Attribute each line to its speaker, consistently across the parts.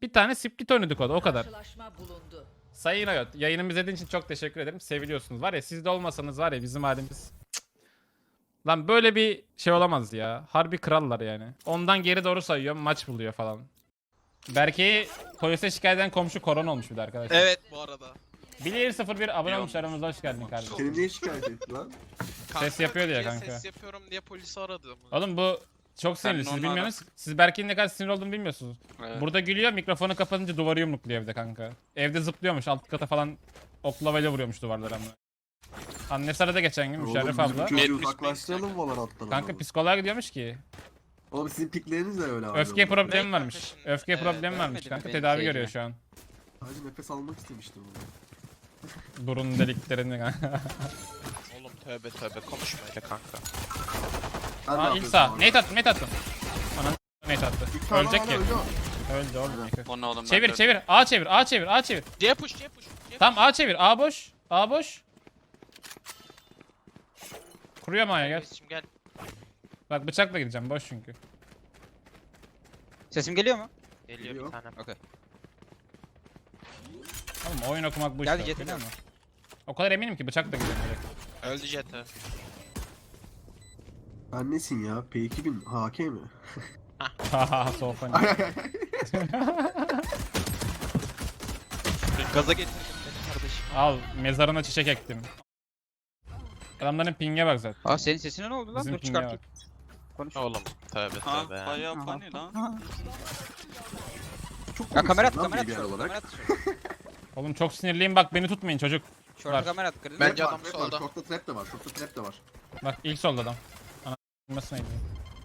Speaker 1: Bir tane split oynadık o kadar.
Speaker 2: Karşılaşma bulundu.
Speaker 1: Sayın Ayot, yayınımı izlediğiniz için çok teşekkür ederim. Seviliyorsunuz. Var ya siz de olmasanız var ya bizim halimiz. Cık. Lan böyle bir şey olamaz ya. Harbi krallar yani. Ondan geri doğru sayıyorum maç buluyor falan. Berke'yi polise şikayet eden komşu korona olmuş bir de arkadaşlar.
Speaker 3: Evet bu arada.
Speaker 1: Bilir 01 abone olmuş aramızda, hoş geldin kardeşim.
Speaker 4: Seni niye şikayet etti lan?
Speaker 1: Ses yapıyor diye
Speaker 3: Türkiye
Speaker 1: kanka.
Speaker 3: Ses yapıyorum diye polisi aradım.
Speaker 1: Oğlum bu çok sinirli, siz
Speaker 5: onunla
Speaker 1: bilmiyorsunuz. Siz Berke'nin ne kadar sinir olduğunu bilmiyorsunuz.
Speaker 5: Evet.
Speaker 1: Burada gülüyor, mikrofonu kapatınca duvarı yumrukluyor evde kanka. Evde zıplıyormuş, alt kata falan oklavayla vuruyormuş duvarlara ama. Annesi aradı geçen gün, Müşerref
Speaker 4: Oğlum,
Speaker 1: abla.
Speaker 4: bizim çocuğu
Speaker 5: 75
Speaker 4: uzaklaştıralım Valorant'tan.
Speaker 1: Kanka psikoloğa gidiyormuş ki.
Speaker 4: Oğlum sizin pikleriniz de öyle abi.
Speaker 1: Öfke problemi
Speaker 3: Ne
Speaker 1: varmış.
Speaker 3: kardeşim?
Speaker 1: Öfke problemi varmış
Speaker 6: beğenmedim
Speaker 1: kanka.
Speaker 6: benim
Speaker 1: Tedavi
Speaker 6: seyircime.
Speaker 1: görüyor şu an.
Speaker 4: Sadece nefes almak istemiştim onu.
Speaker 1: Burun deliklerini kanka.
Speaker 3: Oğlum tövbe tövbe konuşma öyle kanka.
Speaker 4: Ben de
Speaker 1: Aa ilk
Speaker 4: yapıyorum
Speaker 1: sağ.
Speaker 4: abi.
Speaker 1: Nate attım, Nate attım. Ananı Nate attı.
Speaker 4: İlk sağ
Speaker 1: Ölecek
Speaker 4: hala
Speaker 1: ki.
Speaker 4: öldü o.
Speaker 1: Öldü oğlum.
Speaker 5: O ne oğlum?
Speaker 1: Çevir
Speaker 5: ben de-
Speaker 1: çevir. A çevir, A çevir, A çevir.
Speaker 3: C push C push.
Speaker 1: Tamam A çevir. A boş. A boş. Kuruyor mu Aya gel.
Speaker 3: Reis'cim gel.
Speaker 1: Bak bıçakla gideceğim boş çünkü.
Speaker 6: Sesim geliyor mu?
Speaker 3: Geliyor
Speaker 4: Geliyor.
Speaker 3: bir tane.
Speaker 6: Okey.
Speaker 1: Oğlum oyun okumak bu
Speaker 6: Gel
Speaker 1: işte.
Speaker 6: Jet'e
Speaker 1: Biliyor
Speaker 6: gel.
Speaker 1: musun? O kadar eminim ki bıçakla gideceğim direkt.
Speaker 3: Öldü Jet'e.
Speaker 4: Ben nesin ya? P2000 HK mi?
Speaker 1: Haha so funny.
Speaker 4: Ay ay ay.
Speaker 3: Gaza getirdim seni kardeşim.
Speaker 1: Al mezarına çiçek ektim. Adamların ping'e bak zaten.
Speaker 6: Aa senin sesine ne oldu lan?
Speaker 1: Bizim
Speaker 6: Dur
Speaker 1: ping'e
Speaker 6: çıkartayım.
Speaker 1: bak.
Speaker 6: Konuş.
Speaker 3: Oğlum tövbe
Speaker 5: Ha
Speaker 3: tövbe.
Speaker 5: bayağı
Speaker 6: Aha.
Speaker 5: funny lan.
Speaker 6: Ha.
Speaker 4: Çok
Speaker 6: Ya kamera at,
Speaker 4: komiksin lan
Speaker 6: kamera at.
Speaker 4: BBR
Speaker 6: Kamera
Speaker 4: olarak.
Speaker 6: at.
Speaker 1: Oğlum çok sinirliyim bak beni tutmayın çocuk.
Speaker 6: Şorta
Speaker 1: Var.
Speaker 6: kamera at. Kırdın
Speaker 3: Ben-
Speaker 6: mı?
Speaker 3: Bence adam
Speaker 4: Trap var,
Speaker 3: solda.
Speaker 4: Short'ta trap de var. Short'ta trap de var.
Speaker 1: Bak ilk solda adam. Ana nasıl neydi?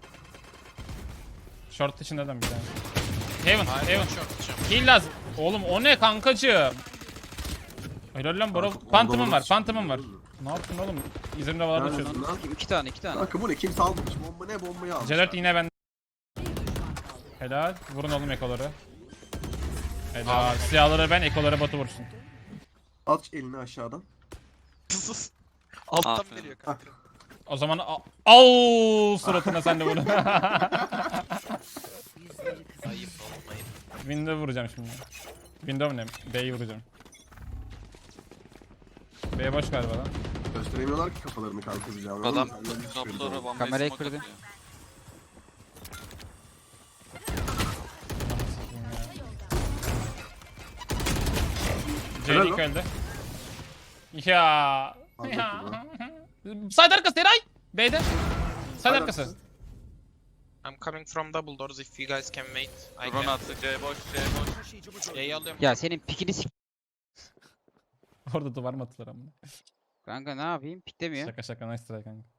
Speaker 1: Short içinde adam bir tane. Heaven,
Speaker 3: Hayır
Speaker 1: Heaven.
Speaker 3: çok çok.
Speaker 1: Kill lazım. Oğlum o ne kankacığım? Helal lan bro.
Speaker 4: Kanka,
Speaker 1: Phantom'um
Speaker 4: onda
Speaker 1: var,
Speaker 4: olur.
Speaker 1: Phantom'um var. Ne yaptın oğlum? İzimde havalarda
Speaker 4: Nerede?
Speaker 1: çözdüm.
Speaker 4: Lan.
Speaker 6: İki tane iki tane.
Speaker 4: Kanka bu ne? Kimse almamış. Bomba ne? Bombayı almış.
Speaker 1: C4 yine ben. Helal. Vurun oğlum ekoları. Helal. Siyahları ben, ekoları Batu vursun.
Speaker 4: At elini aşağıdan.
Speaker 3: Sus. Alttan
Speaker 5: Aferin.
Speaker 3: veriyor kanka.
Speaker 1: O zaman au suratına sen de vur.
Speaker 3: Ayıp olmayın.
Speaker 1: Window vuracağım şimdi. Window ne? B'yi vuracağım. B boş galiba lan.
Speaker 4: Gösteremiyorlar ki kafalarını kanka bize.
Speaker 5: Adam
Speaker 4: Anladın mı?
Speaker 5: kapıları bombayı
Speaker 6: Kamerayı
Speaker 5: smoke
Speaker 6: kırdı.
Speaker 5: atıyor.
Speaker 4: Helal
Speaker 1: C2
Speaker 4: lan.
Speaker 1: öldü. Ya.
Speaker 4: Anladım
Speaker 1: Side arkası Eray. B'de. Side
Speaker 4: Side
Speaker 1: arkası.
Speaker 4: arkası.
Speaker 3: I'm coming from double doors if you guys can wait. I
Speaker 5: Drone
Speaker 3: can.
Speaker 5: attı C boş C boş.
Speaker 3: C'yi alıyorum.
Speaker 6: Ya senin pikini sik.
Speaker 1: Orada duvar mı attılar ama.
Speaker 6: Kanka ne yapayım? Piklemiyor.
Speaker 1: Şaka şaka nice try kanka.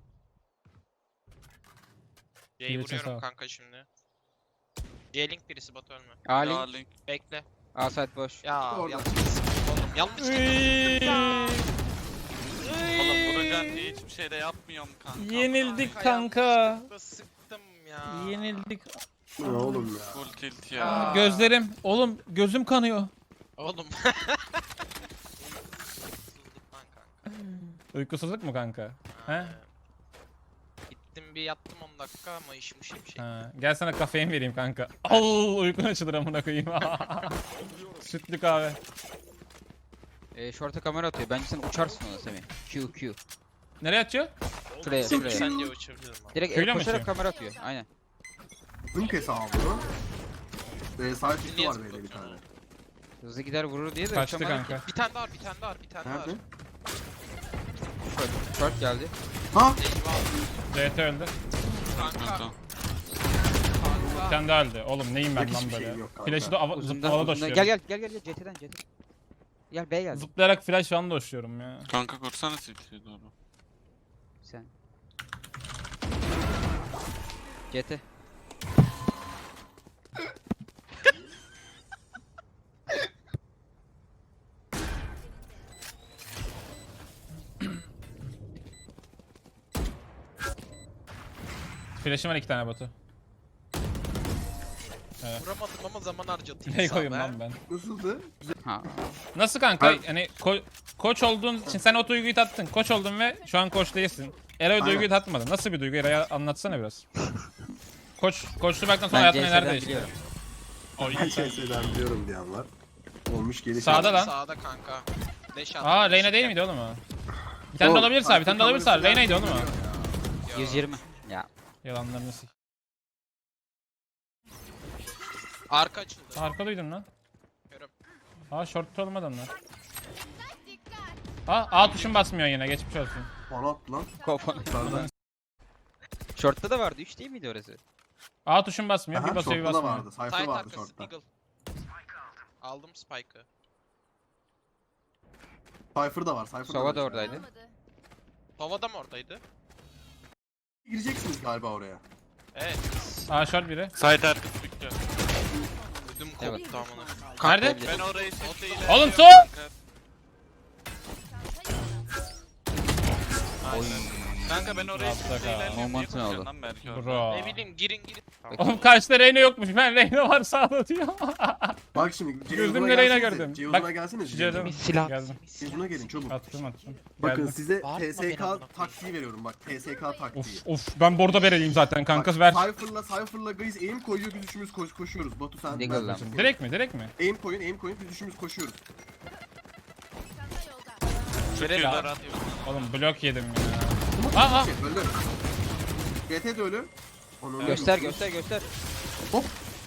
Speaker 3: C'yi
Speaker 1: Birisi sağ ol.
Speaker 3: vuruyorum kanka şimdi. C-Link birisi Batu ölme.
Speaker 6: A
Speaker 5: Ya
Speaker 6: link.
Speaker 5: link.
Speaker 3: Bekle.
Speaker 6: A site boş.
Speaker 3: Ya
Speaker 4: Orada.
Speaker 3: yanlış sıktım oğlum. Yanlış sıktım.
Speaker 5: Oğlum vuracaksın diye hiçbir şey de yapmıyorum kanka.
Speaker 1: Yenildik kanka.
Speaker 3: Yanlışlıkla sıktım ya.
Speaker 1: Yenildik.
Speaker 4: Ne oğlum ya?
Speaker 5: Full tilt ya.
Speaker 1: Gözlerim. Oğlum gözüm kanıyor.
Speaker 3: Oğlum.
Speaker 1: Uykusuzluk mu kanka? He?
Speaker 3: Gittim bir yattım 10 dakika ama işmiş bir şey.
Speaker 1: Ha. Gel sana kafein vereyim kanka. Al uykun açılır amına koyayım. Sütlü kahve.
Speaker 6: Şorta kamera atıyor. Bence sen uçarsın ona Semih. Q.
Speaker 1: Nereye atıyor?
Speaker 6: Şuraya
Speaker 3: Oğlum,
Speaker 6: şuraya.
Speaker 3: sen diye uçabilirim abi.
Speaker 6: Direkt
Speaker 1: Şöyle mi
Speaker 6: koşarak
Speaker 1: atıyor?
Speaker 6: kamera atıyor. Aynen.
Speaker 4: Zınk hesabı. Sahip üstü var
Speaker 3: Niye
Speaker 4: böyle bir tane.
Speaker 6: Hızlı gider vurur diye de
Speaker 1: Kaçtı
Speaker 6: uçamadı ki.
Speaker 1: kanka.
Speaker 3: Bir tane daha var, bir tane daha var, bir tane daha var.
Speaker 4: Nerede?
Speaker 6: Short geldi.
Speaker 4: Ha?
Speaker 3: Eyvah.
Speaker 1: CT öldü.
Speaker 3: Kanka.
Speaker 5: Kanka.
Speaker 1: Bir tane daha öldü. Oğlum neyim ben
Speaker 4: Yok,
Speaker 1: lan
Speaker 4: hiçbir
Speaker 1: böyle.
Speaker 4: şeyim yok kanka.
Speaker 1: Flash'ı da
Speaker 6: Uzundan,
Speaker 1: zıplala
Speaker 6: uzundan.
Speaker 1: doşuyorum.
Speaker 6: Gel CT'den. Gel B geldi.
Speaker 1: Zıplayarak flash falan doşuyorum ya.
Speaker 5: Kanka kursana CT'ye doğru.
Speaker 6: Sen. CT.
Speaker 1: Flash'ım var 2 tane Batu.
Speaker 3: Vuramadım ama zaman harcadım.
Speaker 1: Ne koyayım lan ben?
Speaker 4: Nasıldı?
Speaker 6: Ha.
Speaker 1: Nasıl kanka?
Speaker 4: Ha.
Speaker 1: Hani koç olduğun için sen o duyguyu tattın. Koç oldun ve şu an koç değilsin. Eray o
Speaker 4: Aynen.
Speaker 1: duyguyu tatmadı. Nasıl bir duygu? Eray'a anlatsana biraz. Koçluktan sonra
Speaker 6: Ben
Speaker 1: hayatın neler
Speaker 6: CS'den
Speaker 1: değişti?
Speaker 6: biliyorum.
Speaker 5: Oy.
Speaker 4: Ben CS'den biliyorum diyen var. Olmuş geliş.
Speaker 1: Sağda lan.
Speaker 3: Sağda kanka. Deş attı.
Speaker 1: Aa Reyna değil miydi oğlum o? Bir tane de olabilirse abi, bir tane de olabilirse Reyna'ydı oğlum o.
Speaker 6: 120. Ya.
Speaker 1: Yalanlarını sik.
Speaker 3: Arka açıldı.
Speaker 1: Arka duydum lan.
Speaker 3: Görüm.
Speaker 1: Aa short'ta olmadı onlar. Aa A tuşun basmıyor yine, geçmiş olsun.
Speaker 4: Bana attı lan.
Speaker 6: Kofana.
Speaker 4: Yukarıdan.
Speaker 6: Short'ta da vardı. 3 değil miydi orası?
Speaker 1: A tuşun basmıyor, bir
Speaker 4: Aha,
Speaker 1: basıyor bir
Speaker 4: short'ta da
Speaker 1: basmıyor.
Speaker 4: vardı. Cypher
Speaker 3: Side
Speaker 4: vardı
Speaker 3: arkası
Speaker 4: short'ta.
Speaker 3: Eagle. Aldım Spike'ı.
Speaker 4: Cypher da var. Cypher
Speaker 6: Sova da
Speaker 4: var.
Speaker 6: oradaydı.
Speaker 3: Tova da mı oradaydı?
Speaker 4: Gireceksiniz galiba oraya.
Speaker 3: Evet.
Speaker 1: A short biri.
Speaker 5: Site arkası büktü.
Speaker 3: Ödüm
Speaker 6: Evet.
Speaker 3: koptu amına.
Speaker 1: Nerede?
Speaker 5: Ben orayı siteyle...
Speaker 1: Oğlum su!
Speaker 5: Kanka ben orayı
Speaker 1: Rahatla
Speaker 5: siteyle...
Speaker 1: kal.
Speaker 5: Niye
Speaker 6: Moment'unu
Speaker 5: bakıyorsun
Speaker 6: aldı.
Speaker 5: lan belki orada?
Speaker 1: Bro.
Speaker 3: Ne bileyim girin.
Speaker 1: Oğlum karşıda Reyna yokmuş, ben Reyna var sağda diyor.
Speaker 4: Bak şimdi
Speaker 1: Gözümle Reyna gördüm.
Speaker 4: Ceyhun'a
Speaker 1: Bak,
Speaker 4: gelsene.
Speaker 1: Ceyhun.
Speaker 3: Bir silah.
Speaker 1: Geldim.
Speaker 4: Ceyhun'a gelin çabuk.
Speaker 1: Attım.
Speaker 4: Bakın
Speaker 1: Geldim.
Speaker 4: size
Speaker 3: Bağırma beni
Speaker 4: TSK
Speaker 3: amına
Speaker 4: taktiği veriyorum bak. TSK taktiği.
Speaker 1: Of ben bordo vereyim zaten kankası ver.
Speaker 4: Cypher'la Gaze aim koyuyor, biz üçümüz koşuyoruz. Batu sen.
Speaker 6: Deagle
Speaker 4: ben-
Speaker 6: lan.
Speaker 1: Direkt mi?
Speaker 4: Aim koyun, biz üçümüz koşuyoruz.
Speaker 5: Türkiye'de
Speaker 1: Verelim.
Speaker 5: rahat.
Speaker 1: Oğlum blok yedim ya. Aa.
Speaker 4: Şey, öldü. GT de ölü. Onu
Speaker 6: Göster
Speaker 4: öldü.
Speaker 6: göster.
Speaker 4: Hop.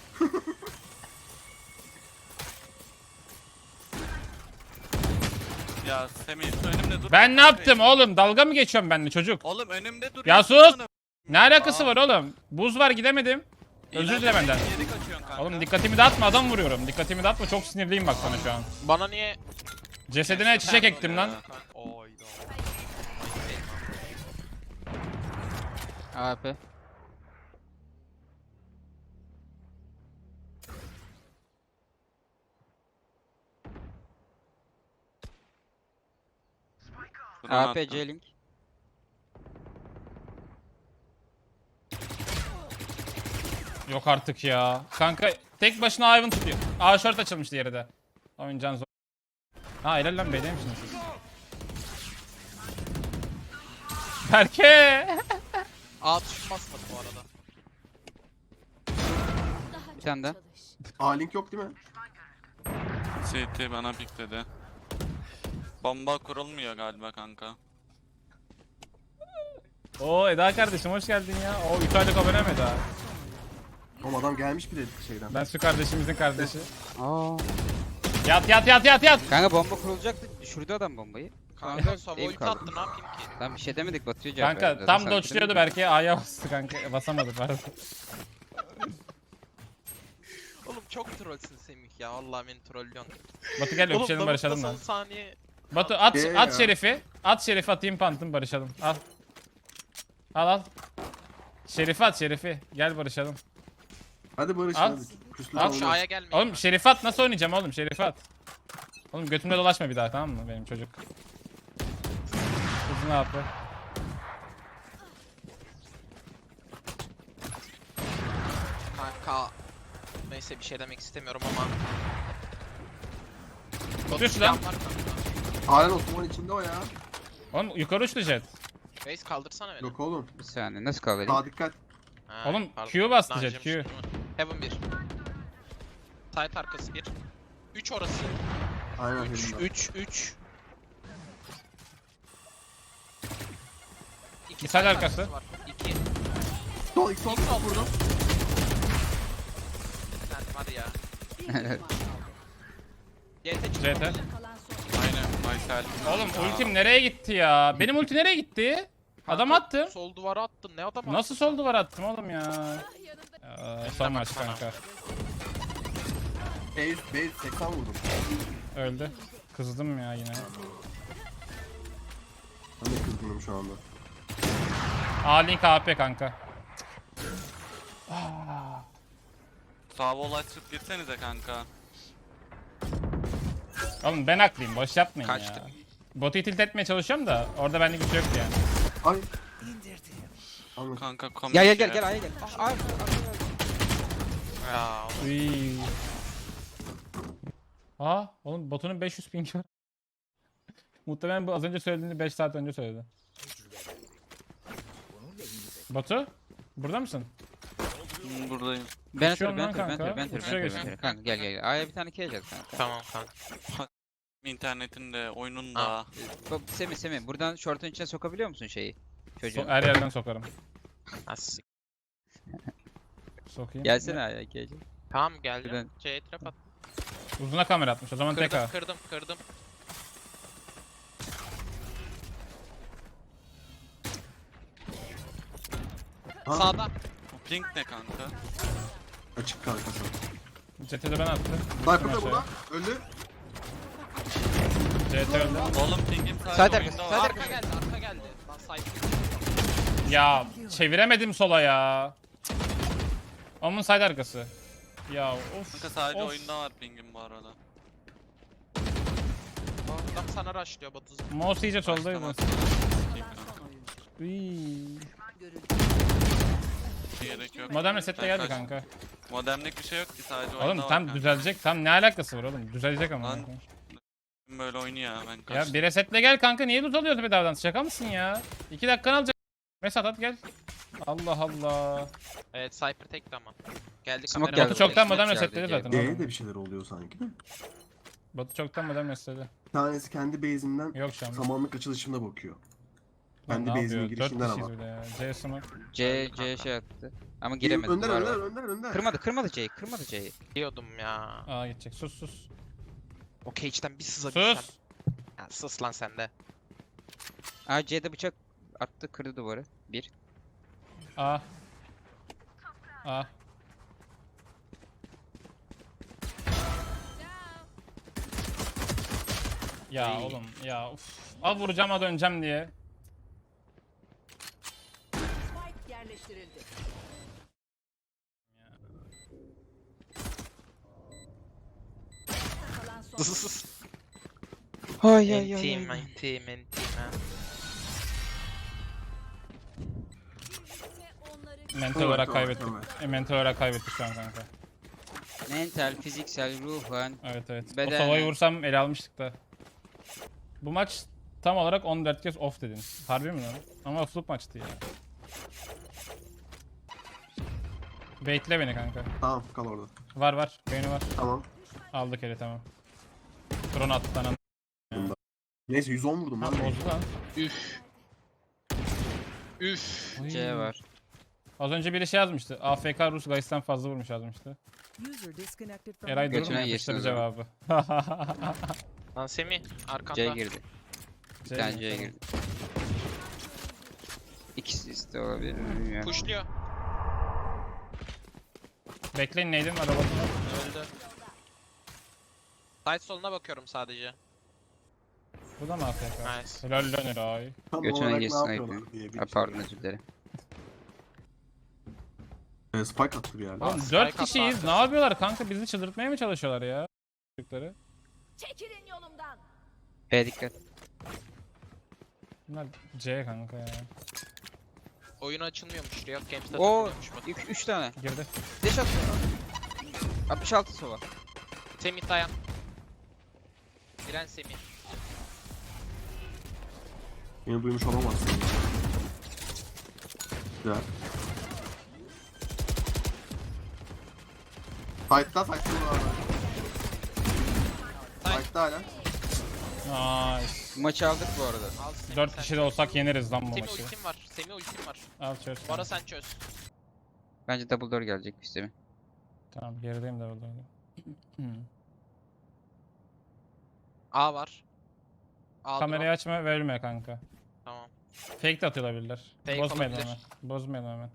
Speaker 5: Ya Semih önümde dur.
Speaker 1: Ben ne yaptım oğlum? Dalga mı geçiyorum benimle çocuk?
Speaker 5: Oğlum önümde dur.
Speaker 1: Ya sus! Ne alakası var oğlum? Buz var gidemedim. Özür dile benden.
Speaker 5: Geri kaçıyorsun kanka.
Speaker 1: Oğlum dikkatimi dağıtma, adam vuruyorum. Dikkatimi dağıtma, çok sinirliyim bak sana şu an.
Speaker 3: Bana niye?
Speaker 1: Cesedine çiçek ektim lan.
Speaker 3: Oyda.
Speaker 6: AP. AP C-Link.
Speaker 1: Yok artık ya. Kanka tek başına Ivan tutuyor. A short açılmış diğeri de. Oyuncağın zor. Ha helal lan B'deymişsiniz siz. Berke!
Speaker 3: A tuşum basmadı bu arada.
Speaker 6: Bir tane daha.
Speaker 4: A-Link yok değil mi?
Speaker 5: CT bana pikledi. Bomba kurulmuyor galiba kanka.
Speaker 1: Oo Eda kardeşim hoş geldin ya. O 3 aylık abone mi Eda?
Speaker 4: Oğlum adam gelmiş bir de şeyden.
Speaker 1: Ben su kardeşimizin kardeşi.
Speaker 6: Aa.
Speaker 1: Yat.
Speaker 6: Kanka bomba kurulacaktı. Düşürdü adam bombayı.
Speaker 3: Kanka Sova
Speaker 6: Ev
Speaker 3: ulti
Speaker 6: kaldı.
Speaker 3: attı ne yapayım ki?
Speaker 6: Tam bir şey demedik Batu'ya cevap
Speaker 1: Kanka
Speaker 6: verdi.
Speaker 1: tam
Speaker 6: Zaten
Speaker 1: dodge'luyordu
Speaker 6: sen
Speaker 1: belki A'ya bastı kanka. Basamadı pardon.
Speaker 3: Oğlum çok trollsün Semih ya. Allah beni trollüyorsun.
Speaker 1: Batu gel öpüşelim
Speaker 3: Oğlum,
Speaker 1: barışalım
Speaker 3: son
Speaker 1: lan.
Speaker 3: saniye.
Speaker 1: Batu at
Speaker 4: Ya.
Speaker 1: at Şerif'i. At Şerif'i atayım pantım barışalım. Al. Al. Şerif'i at Şerif'i. Gel barışalım.
Speaker 4: Hadi Barış
Speaker 1: Al.
Speaker 4: hadi. Küslü
Speaker 1: Al
Speaker 3: Şu
Speaker 4: olmaz.
Speaker 3: A'ya gelmeyin.
Speaker 1: Oğlum Şerif'i at nasıl oynayacağım oğlum Şerif'i at. Oğlum götümde dolaşma bir daha tamam mı benim çocuk. Kızı ne yaptı?
Speaker 3: Kanka. Neyse bir şey demek istemiyorum ama.
Speaker 1: Tutuyorsun lan.
Speaker 3: Can var kanka.
Speaker 4: Halen Osman içinde o ya.
Speaker 1: Oğlum yukarı uçtu jet.
Speaker 3: Reis kaldırsana beni.
Speaker 4: Yok oğlum.
Speaker 6: Bir saniye nasıl kal vereyim?
Speaker 4: Daha dikkat.
Speaker 3: Ha,
Speaker 1: Oğlum,
Speaker 3: pardon.
Speaker 1: Q bastı
Speaker 3: Naciye
Speaker 1: jet, Q.
Speaker 3: Müslüman. Heaven 1. Site arkası 1. 3 orası.
Speaker 4: Aynen
Speaker 3: 3
Speaker 4: elimde.
Speaker 3: 3.
Speaker 1: Bir side arkası.
Speaker 3: 2.
Speaker 4: Sol ilk sol
Speaker 3: sol.
Speaker 4: vurdum.
Speaker 3: Sen var ya. GT
Speaker 1: CT.
Speaker 5: Aynen Maysel.
Speaker 1: Oğlum ultim nereye gitti ya? Benim ulti nereye gitti? Adam attım.
Speaker 3: Sol duvara attın. Ne adam attın?
Speaker 1: Nasıl sol duvar attım oğlum ya? Son maç kanka.
Speaker 4: Base 80 vurdum.
Speaker 1: Öldü. Kızdım ya yine.
Speaker 4: Ben de kızgınım şu anda.
Speaker 1: A-Link AP kanka.
Speaker 5: Sağ vol açıp gitsenize kanka.
Speaker 1: Oğlum ben haklıyım boş yapmayın
Speaker 3: Kaçtı.
Speaker 1: ya. Botu tilt etmeye çalışıyorum da orada benlik bir şey yoktu yani.
Speaker 4: Ay. Anladım.
Speaker 5: Kanka komik.
Speaker 6: Gel A'ya gel. Ay.
Speaker 3: Ya.
Speaker 1: Uy. Aa oğlum botunun 500 ping var. Muhtemelen bu az önce söylediğini 5 saat önce söyledi. Batu? Burada mısın?
Speaker 5: Buradayım.
Speaker 6: Ben
Speaker 1: Uçuyorum lan
Speaker 6: atarım, ben
Speaker 1: kanka.
Speaker 6: atarım, ben atarım,
Speaker 1: Uçuyor
Speaker 6: ben
Speaker 1: geçsin.
Speaker 6: atarım. Kanka gel gel. A'ya bir tane keyeceğiz kanka.
Speaker 3: Tamam kanka.
Speaker 5: İnternetinde, oyunun da.
Speaker 6: Semih buradan şortun içine sokabiliyor musun şeyi? Çocuğu.
Speaker 1: Her yerden sokarım.
Speaker 3: As.
Speaker 1: Sokayım.
Speaker 6: Gelsene A'ya keyeceğiz.
Speaker 3: Tamam geldim.
Speaker 6: Şuradan.
Speaker 3: C'ye trap at.
Speaker 1: Uzuna kamera atmış. O zaman tek A.
Speaker 3: Kırdım.
Speaker 4: Ha,
Speaker 3: Sağda.
Speaker 5: Bu ping ne kanka?
Speaker 4: açık kanka sana.
Speaker 1: CT'de ben attım.
Speaker 4: Sniper
Speaker 1: Aşağıya.
Speaker 4: da burada. Öldü.
Speaker 1: CT öldü.
Speaker 5: Oğlum pingim
Speaker 6: Side
Speaker 5: sadece
Speaker 6: arkası,
Speaker 5: oyunda
Speaker 6: side
Speaker 5: var.
Speaker 3: Arka geldi. Lan side.
Speaker 1: Ya çeviremedim sola ya. Onun side arkası. Ya of.
Speaker 5: Kanka sadece
Speaker 1: of.
Speaker 5: oyunda var pingim bu arada.
Speaker 3: Adam sana rushlıyor Batu.
Speaker 1: Mouse iyice soldaydı.
Speaker 5: Başlamaz. Sikeyim kanka.
Speaker 1: Iiii.
Speaker 5: Gerek yok.
Speaker 1: Modern resetle geldi
Speaker 5: Kaç-
Speaker 1: kanka.
Speaker 5: Modemlik bir şey yok ki sadece oyunda
Speaker 1: Oğlum
Speaker 5: var
Speaker 1: tam
Speaker 5: kanka.
Speaker 1: düzelecek. Tam ne alakası var oğlum? Düzelecek ama.
Speaker 5: Lan, Böyle oynuyor ben
Speaker 1: Ya
Speaker 5: kaçtım.
Speaker 1: bir resetle gel kanka. Niye tut alıyorsun bedavadan? Şaka mısın ya? 2 dakikanı alacak. Mesat at gel. Allah Allah.
Speaker 3: Evet Cypher tekti ama. Geldi
Speaker 6: Smoke
Speaker 3: kamera.
Speaker 6: geldi.
Speaker 1: Batu çoktan
Speaker 6: Smoke
Speaker 1: modern
Speaker 6: geldi,
Speaker 1: resetledi
Speaker 6: geldi.
Speaker 1: zaten.
Speaker 4: D'ye
Speaker 1: oğlum.
Speaker 4: de bir şeyler oluyor sanki de.
Speaker 1: Batu çoktan modern resetledi.
Speaker 4: Bir tanesi kendi base'inden
Speaker 1: Yok şu an.
Speaker 4: samanlık açılışına bakıyor.
Speaker 1: Lan
Speaker 4: Kendi
Speaker 1: ne
Speaker 4: base'inin
Speaker 1: yapıyor? 4
Speaker 4: girişinden
Speaker 1: kişiyiz
Speaker 4: ama.
Speaker 1: bir de ya. C smoke.
Speaker 6: C şey attı. Ama giremedi.
Speaker 4: Önder
Speaker 6: duvar
Speaker 4: önder
Speaker 6: var.
Speaker 4: önder.
Speaker 6: Kırmadı C'yi.
Speaker 3: Diyordum ya.
Speaker 1: Aa gidecek. Sus.
Speaker 3: O cage'den bir sızabilsem.
Speaker 1: Sus.
Speaker 3: Ya, sus lan sen de.
Speaker 6: Aa C'de bıçak attı, kırdı duvarı. Bir.
Speaker 1: A. Ya
Speaker 3: Ay.
Speaker 1: oğlum ya uf. Al vuracağım ha döneceğim diye.
Speaker 2: Spike yerleştirildi. Kalan son
Speaker 6: Ay
Speaker 3: Entim.
Speaker 2: kimse onları
Speaker 1: Mental
Speaker 4: Evet,
Speaker 1: olarak
Speaker 4: tamam,
Speaker 1: kaybettik.
Speaker 4: tamam.
Speaker 1: Mental olarak kaybettik şu an kanka.
Speaker 6: Mental, fiziksel, ruhen.
Speaker 1: Evet. O
Speaker 6: Beden-
Speaker 1: sovayı vursam ele almıştık da. Bu maç tam olarak 14 kez off dedin. Harbi mi lan? Ama offluk maçtı ya. Baitle beni kanka.
Speaker 4: Tamam kal orada.
Speaker 1: Var. Beyni var.
Speaker 4: Tamam.
Speaker 1: Aldık eli tamam. Drone attı lan.
Speaker 4: Neyse 110 vurdum
Speaker 1: Ha
Speaker 4: lan.
Speaker 1: bozdu lan.
Speaker 3: Üf.
Speaker 1: Oy.
Speaker 6: C var.
Speaker 1: Az önce biri şey yazmıştı. AFK Rus Gais'ten fazla vurmuş yazmıştı.
Speaker 2: user disconnected from
Speaker 1: Eray
Speaker 6: Götüne
Speaker 1: durma
Speaker 6: yesin
Speaker 1: yapıştırdı
Speaker 6: o zaman.
Speaker 1: cevabı.
Speaker 3: Lan Semih arkanda.
Speaker 6: C'ye girdi. Bir
Speaker 1: C
Speaker 6: tane
Speaker 1: mi?
Speaker 6: C'ye
Speaker 1: Tamam.
Speaker 6: girdi. İkisi de olabilir. Bilmiyorum.
Speaker 3: Pushluyor.
Speaker 1: Bekleyin neydim var robotum.
Speaker 3: Öldü. Side soluna bakıyorum sadece.
Speaker 1: Bu da mı AFK?
Speaker 3: Nice.
Speaker 1: Helal lan Eray.
Speaker 4: Tam
Speaker 6: Götüne
Speaker 4: olarak ne
Speaker 6: girsin
Speaker 4: yapıyorlar
Speaker 6: ayıp.
Speaker 4: diye bir
Speaker 6: Ha, pardon özür dilerim.
Speaker 4: Spike attı bir yerde.
Speaker 1: Oğlum
Speaker 3: Spike
Speaker 1: 4
Speaker 3: attı
Speaker 1: kişiyiz.
Speaker 3: arkası.
Speaker 1: Ne yapıyorlar kanka? Bizi çıldırtmaya mı çalışıyorlar ya? Çocukları.
Speaker 2: Çekilin yolumdan.
Speaker 6: B dikkat.
Speaker 1: Bunlar C kanka ya.
Speaker 3: Oyun açılmıyormuş. Riot Games'te
Speaker 6: Oo,
Speaker 3: takılıyormuş.
Speaker 6: 3 tane.
Speaker 1: Girdi.
Speaker 6: Deş at. 66 sova.
Speaker 3: Semih dayan. Giren Semih.
Speaker 4: Beni duymuş olamazsın. Güzel. Fight'ta var. Fight'ta hala.
Speaker 1: Nice.
Speaker 6: Bu maçı aldık bu arada.
Speaker 3: Al Semih
Speaker 1: 4
Speaker 3: sen
Speaker 1: kişi de
Speaker 3: çöz.
Speaker 1: olsak yeneriz lan bu
Speaker 3: Semih
Speaker 1: maçı.
Speaker 3: ultim var. Semih ultim var.
Speaker 1: Al çöz.
Speaker 3: Bana sen çöz.
Speaker 6: Bence double door gelecek sistemi.
Speaker 1: Tamam gerideyim de orada.
Speaker 3: A var. A
Speaker 1: Kamerayı açma ve ölme kanka.
Speaker 3: Tamam.
Speaker 1: Fake de atıyor olabilirler.
Speaker 3: Fake
Speaker 1: Bozmayalım
Speaker 3: olabilir.
Speaker 1: hemen. Bozmayalım hemen.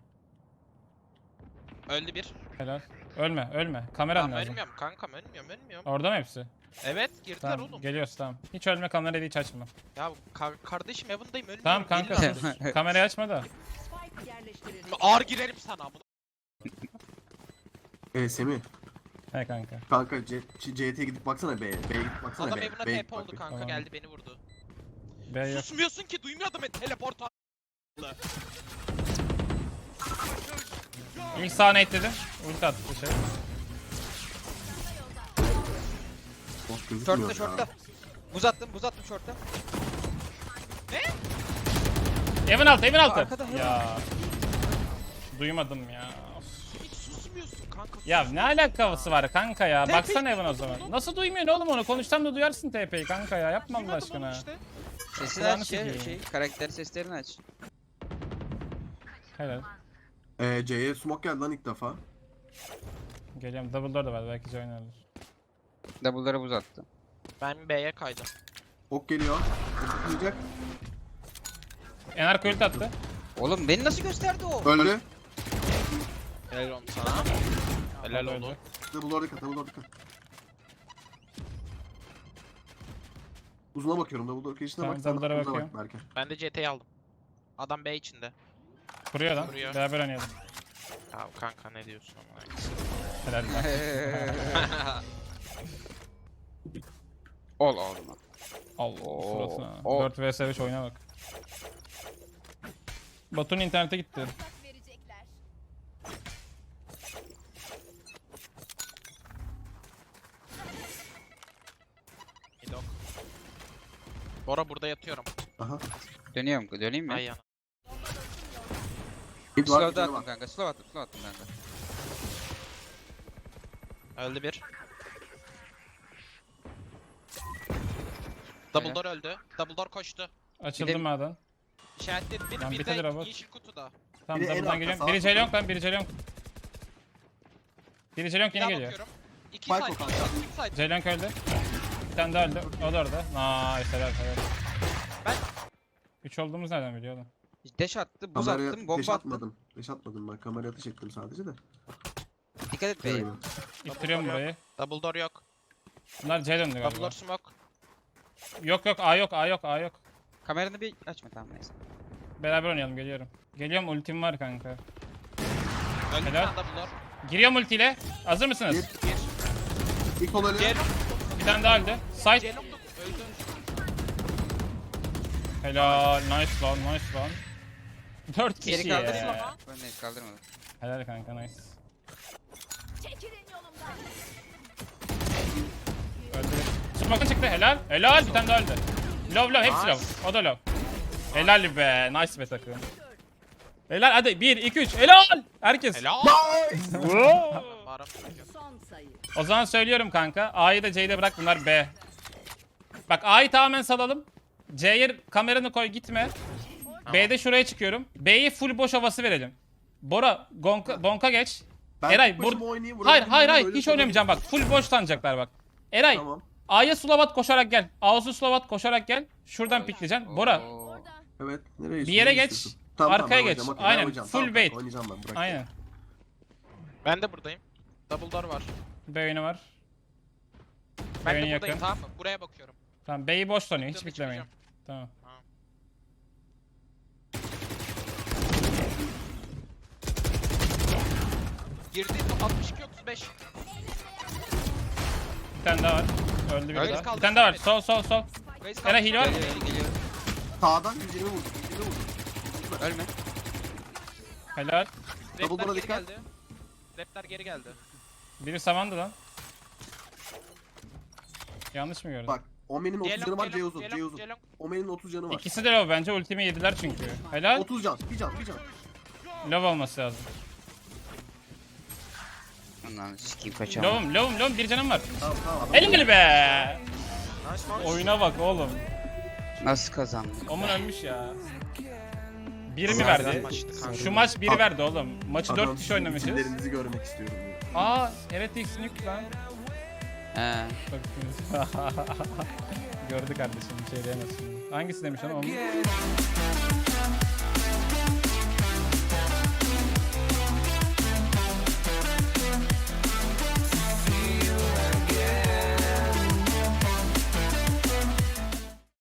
Speaker 3: Öldü bir.
Speaker 1: Helal. Ölme. Kameran
Speaker 3: Tamam
Speaker 1: lazım.
Speaker 3: ölmüyorum kankam ölmüyorum.
Speaker 1: Orada mı hepsi?
Speaker 3: Evet girdiler
Speaker 1: Tamam
Speaker 3: oğlum.
Speaker 1: geliyoruz tamam. Hiç ölme kamerayı hiç açma.
Speaker 3: Ya kardeşim Heaven'dayım ölmüyorum.
Speaker 1: Tamam kanka
Speaker 3: Gelin
Speaker 1: sus.
Speaker 3: lan.
Speaker 1: Kamerayı açma da.
Speaker 2: Spike yerleştirildi.
Speaker 3: Ağır girerim sana bunu.
Speaker 4: Semih.
Speaker 1: He kanka.
Speaker 4: Kanka CT'ye gidip baksana B'ye. B'ye gidip baksana
Speaker 3: Adam
Speaker 4: B'ye.
Speaker 3: Heaven'a
Speaker 4: B'ye
Speaker 3: TP
Speaker 4: gidip bak
Speaker 3: oldu
Speaker 4: bir.
Speaker 3: kanka
Speaker 1: Tamam.
Speaker 3: geldi beni vurdu.
Speaker 1: B yok.
Speaker 3: Susmuyorsun ki duymuyor adamı teleport a-
Speaker 1: İlk sahne etledim. Ulti attı şey.
Speaker 4: Of, gözükmüyor
Speaker 6: Short'ta
Speaker 4: ya.
Speaker 6: short'ta. Buz attım short'ta.
Speaker 1: Evin altı.
Speaker 6: Arkada,
Speaker 1: Ya. Duymadım ya. Of.
Speaker 3: Hiç susmuyor duymuyorsun kanka?
Speaker 1: Ya ne alakası var kanka ya?
Speaker 3: TP
Speaker 1: Baksana Evan o zaman. Nasıl duymuyorsun oğlum onu? Konuşsam da duyarsın TP'yi kanka ya. Yapma Allah
Speaker 3: Duymadım oğlum
Speaker 1: aşkına.
Speaker 3: işte.
Speaker 6: Sesini
Speaker 1: Kulağını
Speaker 6: aç ya
Speaker 1: sikeyim.
Speaker 6: karakter seslerini aç.
Speaker 1: Helal.
Speaker 4: C'ye smoke geldi lan ilk defa.
Speaker 1: Geliyorum. Double door da var. Belki C oynarlar.
Speaker 6: Double'ları buz attı.
Speaker 3: Ben B'ye kaydım.
Speaker 4: Ok geliyor. Ok yiyecek.
Speaker 1: Enar ult attı.
Speaker 6: Oğlum beni nasıl gösterdi o?
Speaker 4: Öldü.
Speaker 3: Helal olsun sana. Helal
Speaker 1: Öldü.
Speaker 3: oldu.
Speaker 4: Double door dikkat, double door dikkat. Uzuna bakıyorum, double door girişine
Speaker 1: Tamam,
Speaker 4: bak. Sen
Speaker 1: double'lara
Speaker 4: uza
Speaker 1: bakıyorum.
Speaker 4: bak Berke.
Speaker 3: Ben de CT'yi aldım. Adam B içinde.
Speaker 1: Kuruyor lan.
Speaker 3: Kuruyor.
Speaker 1: Beraber oynayalım.
Speaker 3: Ya kanka ne diyorsun ama?
Speaker 1: Helal lan.
Speaker 6: Ol olma.
Speaker 1: Allah
Speaker 6: Oo,
Speaker 1: suratına.
Speaker 6: o.
Speaker 1: 4 vs 5 oyuna bak. Batu'nun internete gitti.
Speaker 2: verecekler.
Speaker 3: Midok. Bora burada yatıyorum.
Speaker 4: Aha.
Speaker 6: Döneyim mi?
Speaker 3: Ay yana.
Speaker 4: Mid var,
Speaker 6: Slow'da
Speaker 4: bir tane
Speaker 6: attım
Speaker 4: var.
Speaker 6: kanka. Slow attım kanka.
Speaker 3: Öldü bir. Double door öldü. Double door koştu.
Speaker 1: Açıldı
Speaker 6: Bir de-
Speaker 1: maden.
Speaker 3: İşaretledim bir,
Speaker 1: Lan
Speaker 3: bir
Speaker 1: bitedir
Speaker 3: de
Speaker 1: robot.
Speaker 3: yeşil kutuda.
Speaker 1: Tamam
Speaker 4: Biri en
Speaker 1: double'dan
Speaker 4: arka,
Speaker 1: geliyorum.
Speaker 4: sağ
Speaker 1: Biri
Speaker 4: kutu.
Speaker 1: Jelong lan, biri Jelong. Biri Jelong
Speaker 3: Bir
Speaker 1: yine
Speaker 3: daha
Speaker 1: geliyor.
Speaker 3: bakıyorum. İki
Speaker 4: Spike
Speaker 3: side,
Speaker 4: o kanka.
Speaker 3: iki side.
Speaker 1: Jelong öldü. Bir tane daha öldü. O da orada. Nice helal helal.
Speaker 3: Ben-
Speaker 1: 3 olduğumuz nereden biliyor oğlum?
Speaker 6: Dash attı, buz
Speaker 4: Kameraya
Speaker 6: attım,
Speaker 4: ateş
Speaker 6: bomba attım.
Speaker 4: atmadım. Ateş atmadım ben. Kameraya ateş ettim sadece de.
Speaker 6: Dikkat et beyim.
Speaker 4: Öyle.
Speaker 1: İttiriyorum
Speaker 3: Double door
Speaker 1: burayı.
Speaker 3: Double door yok.
Speaker 1: Bunlar C döndü
Speaker 3: Double
Speaker 1: galiba.
Speaker 3: door smoke.
Speaker 1: Yok yok A yok A yok A yok.
Speaker 6: Kameranı bir açma tamam neyse.
Speaker 1: Beraber oynayalım geliyorum. Geliyorum ultim var kanka.
Speaker 3: Öldü bir
Speaker 1: Helal.
Speaker 3: tane double door.
Speaker 1: Giriyorum ultiyle. Hazır mısınız?
Speaker 4: Gir.
Speaker 3: Gir.
Speaker 4: İlk ol ölüyor.
Speaker 3: Gel.
Speaker 1: Bir tane daha öldü. Side.
Speaker 3: Celok da öldü.
Speaker 1: Helal. Nice lan nice lan. 4
Speaker 6: Geri
Speaker 1: kişi
Speaker 6: kaldırma.
Speaker 1: ya.
Speaker 6: Ben de kaldırmadım.
Speaker 1: Helal kanka nice.
Speaker 2: Çekilin yolumdan.
Speaker 1: Öldü. Smoke'un çıktı helal. Helal bir tane daha öldü. Low hepsi
Speaker 3: Nice.
Speaker 1: low. O da low. Helal be. Nice be takım. Helal hadi 1 2 3 helal. Herkes.
Speaker 3: Helal.
Speaker 1: Wow.
Speaker 3: Bağıram.
Speaker 2: Son sayı.
Speaker 1: O zaman söylüyorum kanka. A'yı da C'yi de bırak bunlar B. Bak A'yı tamamen salalım. C'ye kameranı koy gitme. B'de şuraya çıkıyorum. B'ye full boş havası verelim. Bora bonka geç.
Speaker 4: Ben
Speaker 1: Eray,
Speaker 4: tek başıma oynayayım,
Speaker 1: Hayır
Speaker 4: vurabildiğim
Speaker 1: hayır
Speaker 4: öyle
Speaker 1: hiç
Speaker 4: sana
Speaker 1: oynamayacağım bak. Full boş sanacaklar bak. Eray
Speaker 4: Tamam.
Speaker 1: A'ya Slavat koşarak gel. A'su Slavat koşarak gel. Şuradan pikleyeceksin. Bora
Speaker 6: Oo.
Speaker 2: Orada.
Speaker 4: Evet. Nereye
Speaker 1: bir yere geç.
Speaker 4: istiyorsun?
Speaker 1: Arkaya
Speaker 4: ben
Speaker 1: geç.
Speaker 4: oynayacağım, okey, ben
Speaker 1: Aynen,
Speaker 4: oynayacağım.
Speaker 1: full
Speaker 4: Tamam,
Speaker 1: bait.
Speaker 4: Oynayacağım ben bırak.
Speaker 1: aynen.
Speaker 3: Ben de buradayım. Double door var.
Speaker 1: B oyunu var.
Speaker 3: Ben
Speaker 1: B'ye
Speaker 3: de
Speaker 1: yakın.
Speaker 3: buradayım tamam mı? Buraya bakıyorum.
Speaker 1: Tamam B'yi boş sanıyor. Hiç
Speaker 3: Çıktığımda
Speaker 1: piklemeyin.
Speaker 3: çıkacağım.
Speaker 1: Tamam.
Speaker 3: Girdi 62 35.
Speaker 1: Bir tane daha var. Öldü bir
Speaker 3: Öyle
Speaker 1: daha.
Speaker 3: kaldı.
Speaker 1: Bir tane daha var. Sol sol sol.
Speaker 3: Raise
Speaker 1: Eray,
Speaker 3: kaldı.
Speaker 1: hile var mı?
Speaker 6: Geliyor.
Speaker 4: Sağdan 120 vurdum. 120 vurdum.
Speaker 6: Ölme.
Speaker 1: Helal.
Speaker 4: Double
Speaker 3: Raptor
Speaker 4: door'a
Speaker 3: geri
Speaker 4: dikkat.
Speaker 3: geldi. Raptor geri geldi.
Speaker 1: Biri samandı lan. Yanlış mı gördüm?
Speaker 4: Bak. Omen'in 30 canı var, C uzun. C
Speaker 3: Celok,
Speaker 4: uzun.
Speaker 3: Celok.
Speaker 4: Omen'in 30 canı var.
Speaker 1: İkisi de low bence. Ultimi yediler çünkü. Helal.
Speaker 4: 30 can. Bir can.
Speaker 1: Low olması lazım.
Speaker 6: Ondan sikeyim kaçamam.
Speaker 1: Low'um. Bir canım var.
Speaker 4: Tamam tamam.
Speaker 1: Elimli be.
Speaker 3: Nice nice.
Speaker 1: Oyuna bak oğlum.
Speaker 6: Nasıl kazandın?
Speaker 1: Omun ölmüş ya. Biri mi
Speaker 4: Güzel
Speaker 1: verdi?
Speaker 3: maçtı kanka.
Speaker 1: Şu maç biri verdi oğlum. Maçı 4
Speaker 4: Adam,
Speaker 1: kişi oynamışız.
Speaker 4: isimlerinizi görmek istiyorum.
Speaker 1: Aa evet X'in yük lan.
Speaker 6: He.
Speaker 1: Bak. Gördü kardeşim bir şey diyemezsin. Hangisi demiş onu?